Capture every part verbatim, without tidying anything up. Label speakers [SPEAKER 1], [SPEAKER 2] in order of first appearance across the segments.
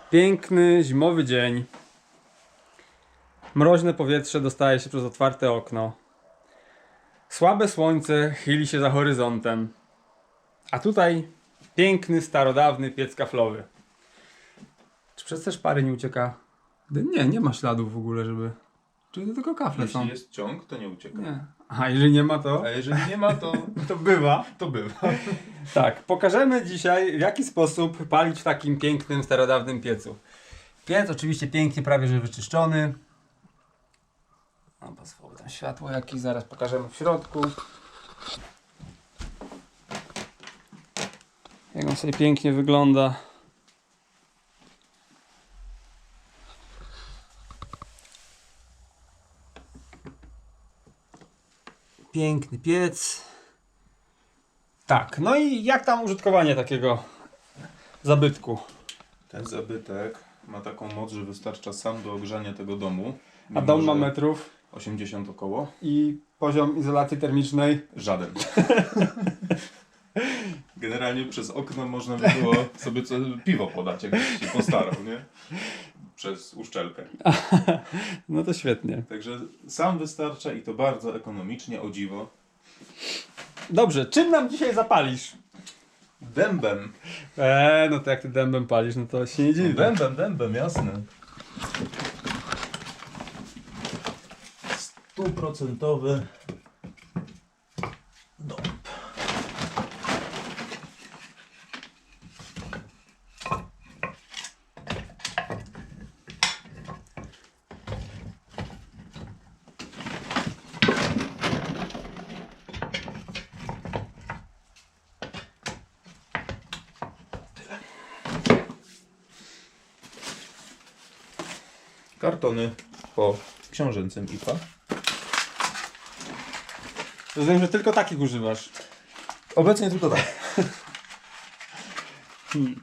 [SPEAKER 1] Piękny, zimowy dzień. Mroźne powietrze dostaje się przez otwarte okno. Słabe słońce chyli się za horyzontem. A tutaj piękny, starodawny piec kaflowy. Czy przez te szpary nie ucieka? Nie, nie ma śladów w ogóle, żeby... Czy to tylko kafle są?
[SPEAKER 2] Jeśli jest ciąg, to nie ucieka.
[SPEAKER 1] Nie. A jeżeli nie ma, to...
[SPEAKER 2] A jeżeli nie ma, to,
[SPEAKER 1] To bywa.
[SPEAKER 2] to bywa.
[SPEAKER 1] Tak, pokażemy dzisiaj, w jaki sposób palić w takim pięknym, starodawnym piecu. Piec oczywiście pięknie, prawie że wyczyszczony. No, pozwolę tam światło jakieś, zaraz pokażemy w środku. Jak on sobie pięknie wygląda. Piękny piec. Tak, no i jak tam użytkowanie takiego zabytku?
[SPEAKER 2] Ten zabytek ma taką moc, że wystarcza sam do ogrzania tego domu.
[SPEAKER 1] A
[SPEAKER 2] Mimo,
[SPEAKER 1] dom ma
[SPEAKER 2] że
[SPEAKER 1] metrów
[SPEAKER 2] osiemdziesiąt około.
[SPEAKER 1] i poziom izolacji termicznej.
[SPEAKER 2] Żaden. Generalnie przez okno można by było sobie co, piwo podać, jakbyś się postarał, nie? Przez uszczelkę.
[SPEAKER 1] No to świetnie.
[SPEAKER 2] Także sam wystarcza i to bardzo ekonomicznie, o dziwo.
[SPEAKER 1] Dobrze, czym nam dzisiaj zapalisz?
[SPEAKER 2] Dębem.
[SPEAKER 1] Eee, no to jak ty dębem palisz, no to się nie dziwię.
[SPEAKER 2] Dębem, dębem, jasne. Stuprocentowy dąb. Kartony po książęcym I P A.
[SPEAKER 1] Rozumiem, że tylko takich używasz.
[SPEAKER 2] Obecnie tylko tak.
[SPEAKER 1] Hmm.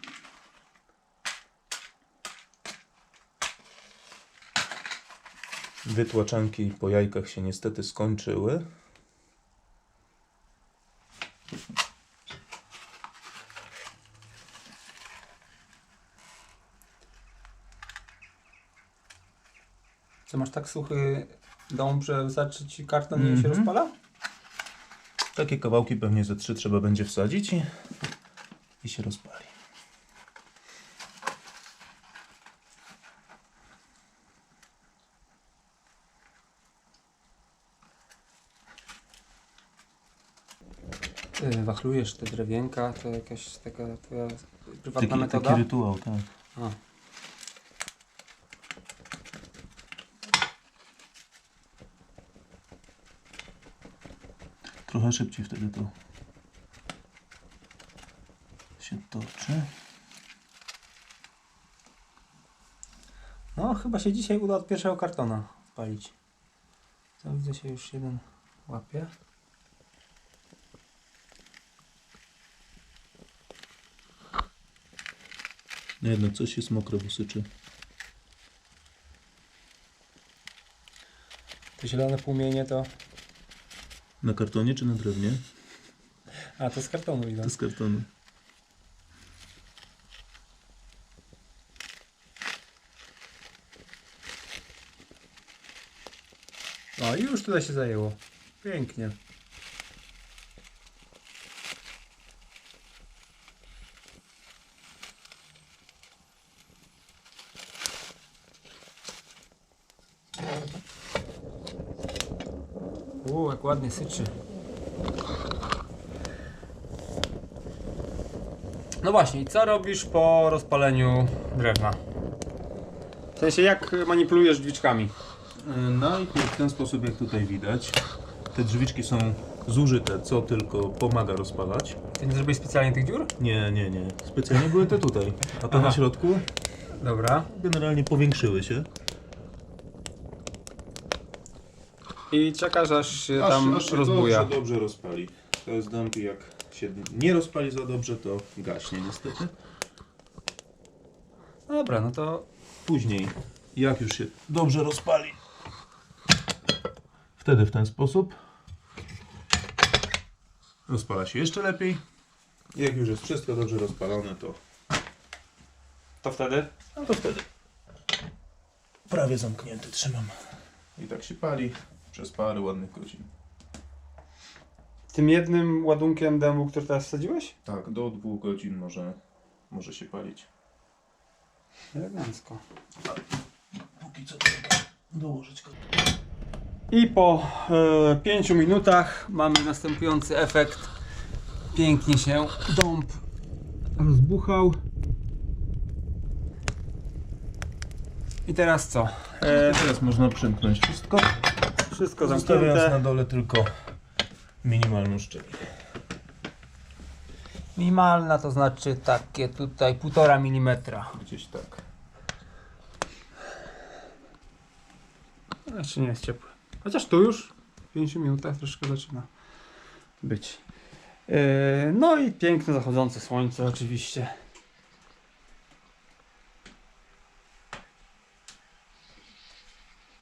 [SPEAKER 2] Wytłaczanki po jajkach się niestety skończyły.
[SPEAKER 1] Co, masz tak suchy dąb, że wystarczy ci karton i się
[SPEAKER 2] Mhm.
[SPEAKER 1] rozpala?
[SPEAKER 2] Takie kawałki pewnie ze trzy trzeba będzie wsadzić i, i się rozpali.
[SPEAKER 1] Ty wachlujesz te drewienka, to jakaś taka twoja prywatna
[SPEAKER 2] Taki,
[SPEAKER 1] metoda?
[SPEAKER 2] taki rytuał, tak.
[SPEAKER 1] A.
[SPEAKER 2] Trochę szybciej wtedy to się toczy.
[SPEAKER 1] No, chyba się dzisiaj uda od pierwszego kartona spalić. To widzę, się już jeden łapie.
[SPEAKER 2] No jednak coś jest mokre, bo syczy.
[SPEAKER 1] Te zielone płomienie to...
[SPEAKER 2] Na kartonie czy na drewnie?
[SPEAKER 1] A, to z kartonu idą.
[SPEAKER 2] To z kartonu.
[SPEAKER 1] O, i już tutaj się zajęło. Pięknie. Uuu, jak ładnie syczy. No właśnie, i co robisz po rozpaleniu drewna? W sensie, jak manipulujesz drzwiczkami?
[SPEAKER 2] Najpierw w ten sposób, jak tutaj widać. Te drzwiczki są zużyte, co tylko pomaga rozpalać.
[SPEAKER 1] Ty nie zrobiłeś specjalnie tych dziur?
[SPEAKER 2] Nie, nie, nie. Specjalnie były te tutaj. A te
[SPEAKER 1] Aha.
[SPEAKER 2] na środku
[SPEAKER 1] Dobra.
[SPEAKER 2] generalnie powiększyły się.
[SPEAKER 1] I czekasz, aż się tam rozbuja.
[SPEAKER 2] Dobrze, dobrze rozpali. To jest dąb i jak się nie rozpali za dobrze, to gaśnie niestety.
[SPEAKER 1] Dobra, no to
[SPEAKER 2] Później, jak już się dobrze rozpali, wtedy w ten sposób rozpala się jeszcze lepiej. Jak już jest wszystko dobrze rozpalone, to
[SPEAKER 1] To wtedy?
[SPEAKER 2] No to wtedy prawie zamknięty trzymam. I tak się pali przez parę ładnych godzin.
[SPEAKER 1] Tym jednym ładunkiem dębu, który teraz wsadziłeś?
[SPEAKER 2] Tak, do dwóch godzin może, może się palić.
[SPEAKER 1] Elegancko.
[SPEAKER 2] Póki co trzeba dołożyć go.
[SPEAKER 1] I po e, pięciu minutach mamy następujący efekt. Pięknie się dąb rozbuchał. I teraz co? E,
[SPEAKER 2] Teraz można przymknąć wszystko,
[SPEAKER 1] wszystko
[SPEAKER 2] zostawiając na
[SPEAKER 1] zamknięte.
[SPEAKER 2] dole tylko minimalną szczelinę.
[SPEAKER 1] Minimalna to znaczy takie tutaj półtora milimetra.
[SPEAKER 2] Gdzieś tak.
[SPEAKER 1] Jeszcze nie jest ciepły. Chociaż tu już w pięciu minutach troszkę zaczyna być. Yy, no i piękne zachodzące słońce oczywiście.